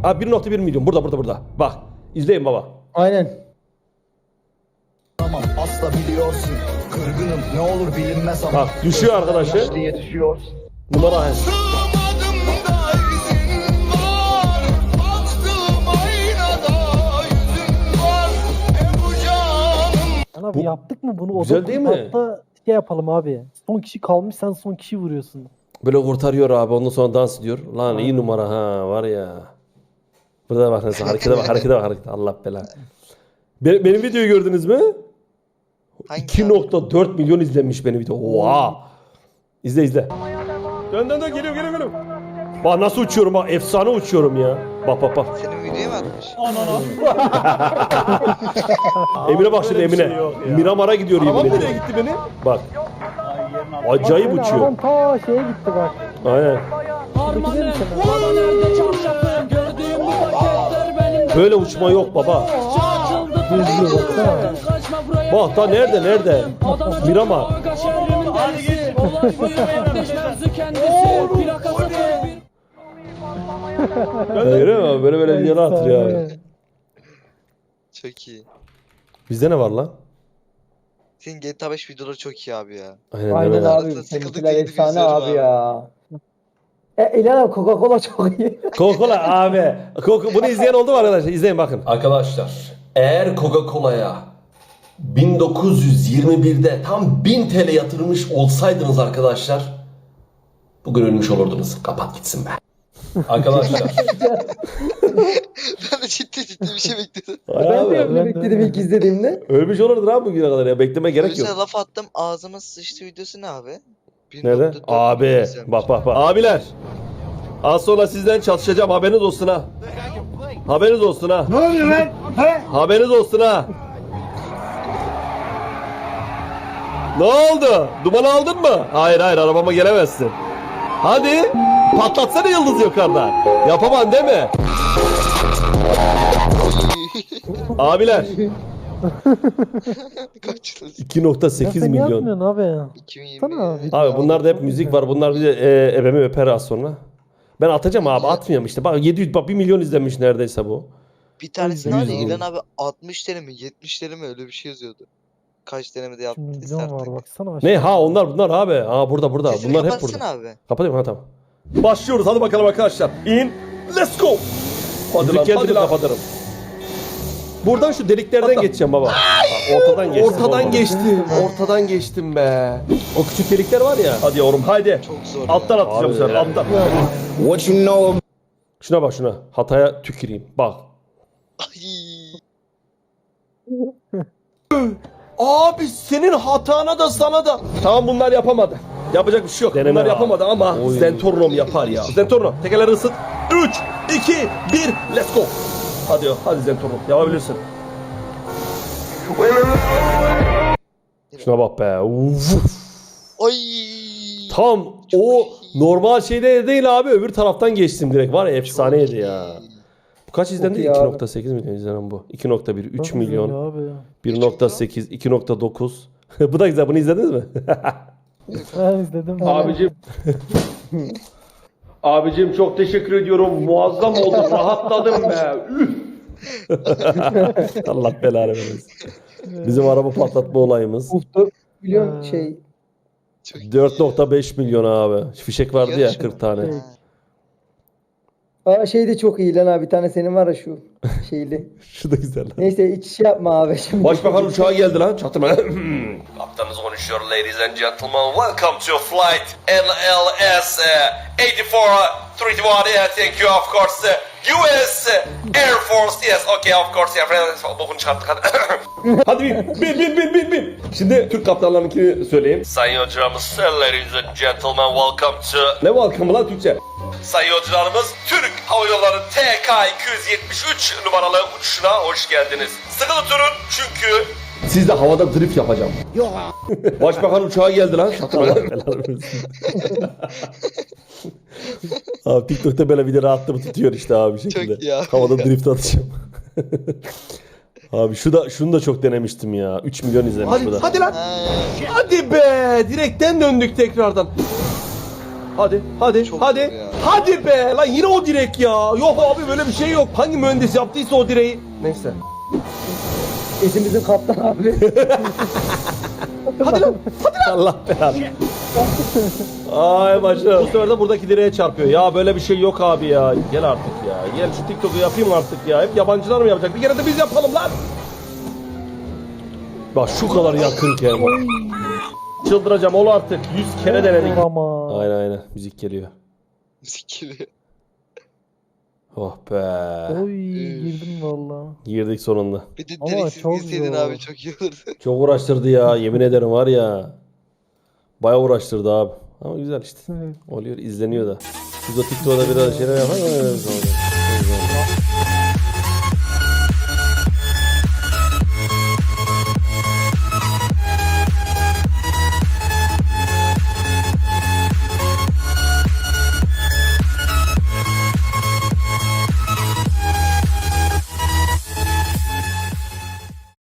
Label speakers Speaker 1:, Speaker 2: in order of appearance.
Speaker 1: Abi 1.1 milyon. Burada. Bak. İzleyin baba.
Speaker 2: Aynen.
Speaker 3: Tamam asla biliyorsun. Kırgınım ne olur bilinmez ama.
Speaker 1: Bak düşüyor arkadaşı.
Speaker 3: Yaşlıya düşüyor.
Speaker 1: Numara.
Speaker 4: Abi yaptık mı bunu?
Speaker 1: Güzel değil mi?
Speaker 4: Hatta şey yapalım abi. Son kişi kalmış, sen son kişi vuruyorsun.
Speaker 1: Böyle kurtarıyor abi. Ondan sonra dans ediyor. Lan iyi numara ha. Var ya. Burada bak nasıl. Harekete bak. Allah belanı. Benim videoyu gördünüz mü?
Speaker 5: Hangi
Speaker 1: 2.4 milyon izlenmiş benim video. Oha. İzle. Dön geliyor. Bak nasıl uçuyorum bak. Efsane uçuyorum ya. Bak.
Speaker 5: Senin videoya mı atmış?
Speaker 1: Emine bak şimdi Emine. Miramar'a gidiyor
Speaker 6: Arabam
Speaker 1: Emine.
Speaker 6: nereye gitti benim?
Speaker 1: Bak. Acayip
Speaker 4: Bak,
Speaker 1: uçuyor.
Speaker 4: Adam ta şeye gitti bak.
Speaker 1: Aynen.
Speaker 4: Şuradaki değil mi senin?
Speaker 7: Baba nerede çarşafı? Gördüğüm bu paketler benim de.
Speaker 1: Böyle uçma yok baba.
Speaker 7: Açıldı
Speaker 4: Düzlüyor baksana.
Speaker 7: kaçma buraya.
Speaker 1: Bak da nerede? Miramar.
Speaker 7: Hadi git. Mevzu kendisi. Plakası bir.
Speaker 1: Görüyor musun? Böyle videolar atıyor abi.
Speaker 5: Çok iyi.
Speaker 1: Bizde ne var lan?
Speaker 5: Senin GTA 5 videoları çok iyi abi ya.
Speaker 1: Aynen
Speaker 2: Aynen
Speaker 1: öyle.
Speaker 2: abi.
Speaker 5: Sıkıldık
Speaker 2: Seninkiler
Speaker 5: gidip
Speaker 2: efsane
Speaker 5: izliyorum
Speaker 2: abi
Speaker 5: abi.
Speaker 2: ya. İlhan abi Coca-Cola çok iyi.
Speaker 1: Coca-Cola abi. Bunu izleyen oldu mu arkadaşlar? İzleyin bakın. Arkadaşlar eğer Coca-Cola'ya 1921'de tam 1000 TL yatırmış olsaydınız arkadaşlar bugün ölmüş olurdunuz. Kapat gitsin be. Arkadaşlar.
Speaker 5: Ben de ciddi bir şey bekledim.
Speaker 2: Ben de öyle
Speaker 4: ben de
Speaker 2: bekledim
Speaker 4: öyle.
Speaker 2: ilk izlediğimde.
Speaker 1: Ölmüş olurdun abi bugüne kadar ya. Bekleme gerek yok.
Speaker 5: Mesela laf attım ağzıma sıçtı videosu ne abi?
Speaker 1: Nerede?
Speaker 5: 1.4
Speaker 1: Abi.
Speaker 5: izlenmiş.
Speaker 1: Bak. Abiler. Az sonra sizden çalışacağım. Haberiniz olsun ha. Haberiniz olsun ha.
Speaker 6: Ne oluyor lan? He?
Speaker 1: Haberiniz olsun ha. Ne oldu? Duman aldın mı? Hayır arabama gelemezsin. Hadi patlatsana yıldız yukarıda. Yapamam değil mi? Abiler
Speaker 5: Kaç yıl?
Speaker 1: 2.8
Speaker 4: Sen ne
Speaker 1: milyon.
Speaker 4: yapmıyorsun abi?
Speaker 5: 2020.
Speaker 4: Sana abi.
Speaker 1: Abi bunlarda hep müzik var. Bunlar bize ebemi öper az sonra. Ben atacağım abi atmıyorum işte. Bak 700 bak 1 milyon izlenmiş neredeyse bu.
Speaker 5: Bir tanesinde var ya
Speaker 1: 100
Speaker 5: İlhan abi 60 TL mi 70 TL mi öyle bir şey yazıyordu. Kaç denemede
Speaker 4: Şimdi
Speaker 5: yaptıysa
Speaker 4: milyon var
Speaker 5: artık.
Speaker 4: baksana.
Speaker 1: Ne ha bunlar abi. Ha burada.
Speaker 5: Sesini
Speaker 1: Bunlar hep
Speaker 5: kapatsana
Speaker 1: burada.
Speaker 5: abi.
Speaker 1: Kapatıyorum ha tamam. Başlıyoruz hadi bakalım arkadaşlar. In. Let's go. Hadi lan. Kapatırım. Buradan şu deliklerden geçeceğim baba. Ortadan geçtim be. O küçük delikler var ya. Hadi yavrum haydi.
Speaker 5: Çok zor
Speaker 1: Alttan
Speaker 5: ya.
Speaker 1: atacağım
Speaker 6: Abi
Speaker 1: sen
Speaker 6: ya.
Speaker 1: alttan.
Speaker 3: What you know?
Speaker 1: Şuna bak şuna. Hataya tüküreyim. Bak.
Speaker 5: Ay.
Speaker 1: Abi senin hatana da sana da. Tamam bunlar yapamadı. Yapacak bir şey yok. Bunlar yapamadı ama Zentornom yapar ya. Zentornom tekerleri ısıt. 3, 2, 1, let's go. Hadi Zentornom yapabilirsin. Şuna bak be. Uf.
Speaker 5: Ay.
Speaker 1: Tam
Speaker 5: Çok
Speaker 1: o
Speaker 5: iyi.
Speaker 1: normal şeyde değil abi. Öbür taraftan geçtim direkt. Var ya efsaneydi ya. Bu kaç izlendi?
Speaker 2: iyi abi.
Speaker 1: 2.8 milyon izlenen bu. 2.1, 3
Speaker 4: Çok
Speaker 1: milyon.
Speaker 4: güzel Abi.
Speaker 1: 1.8, 2.9. Bu da güzel. Bunu izlediniz mi?
Speaker 4: Ben izledim.
Speaker 1: Abicim çok teşekkür ediyorum. Muazzam oldu. Rahatladım be. Allah belanı vermesin. Bizim araba patlatma olayımız.
Speaker 2: 4 milyon şey.
Speaker 5: Çok iyi.
Speaker 1: 4.5 milyon abi. Fişek vardı ya
Speaker 5: Yarışma.
Speaker 1: 40 tane.
Speaker 5: Ha.
Speaker 2: Aa şey de çok iyi lan abi. Bir tane senin var ya şu şeyli.
Speaker 1: Şu da güzel lan.
Speaker 2: Neyse hiç şey yapma abi şimdi.
Speaker 1: Başbakan uçağı geldi lan. Çatırma. Kaptanınız konuşuyor ladies and gentlemen. Welcome to flight LLS 8431. Thank you of course. US Air Force. Yes okay of course. Bokunu çıkarttık hadi. Hadi bin. Şimdi Türk kaptanlarınkini söyleyeyim. Sayın yolcularımız, ladies and gentlemen welcome to... Ne welcome lan Türkçe? Sayın yolcularımız, Türk Hava Yolları TK-273 numaralı uçuşuna hoş geldiniz. Sıkı tutunun çünkü... Siz de havada drift yapacağım. Yok. Başbakan uçağı geldi lan. Abi TikTok'ta böyle video rahatlığı tutuyor işte abi bir şekilde.
Speaker 5: Çok iyi abi.
Speaker 1: Havada drift atacağım. Abi şunu da çok denemiştim ya. 3 milyon izlemiş bu da.
Speaker 6: Hadi lan.
Speaker 5: Ha.
Speaker 1: Hadi be! Direkten döndük tekrardan. Hadi, hadi,
Speaker 5: Çok
Speaker 1: hadi.
Speaker 5: zor ya.
Speaker 1: Hadi be! Lan yine o direk ya. Yok abi böyle bir şey yok. Hangi mühendis yaptıysa o direği. Neyse.
Speaker 2: Etimizin kaptan abi.
Speaker 1: Hadi lan. Hadi lan. Allah belanı. Ay başım. Bu sefer de buradaki direğe çarpıyor. Ya böyle bir şey yok abi ya. Gel artık ya. Gel şu TikTok'u yapayım artık ya. Hep yabancılar mı yapacak? Bir kere de biz yapalım lan. Bak şu kadar yakınken. Çıldıracağım ol artık. 100 kere denedik.
Speaker 4: Ama.
Speaker 1: Aynen müzik geliyor.
Speaker 5: Müzik geliyor.
Speaker 1: Oh be.
Speaker 4: Oy girdim valla.
Speaker 1: Girdik sonunda.
Speaker 5: Bir de
Speaker 4: Ama
Speaker 5: direksiz
Speaker 4: çok
Speaker 5: girseydin
Speaker 4: zor.
Speaker 5: abi çok iyi olurdu.
Speaker 1: Çok uğraştırdı ya. Yemin ederim var ya. Bayağı uğraştırdı abi. Ama güzel işte. Oluyor izleniyor da. Biz o TikTok'da biraz şeyler yapalım.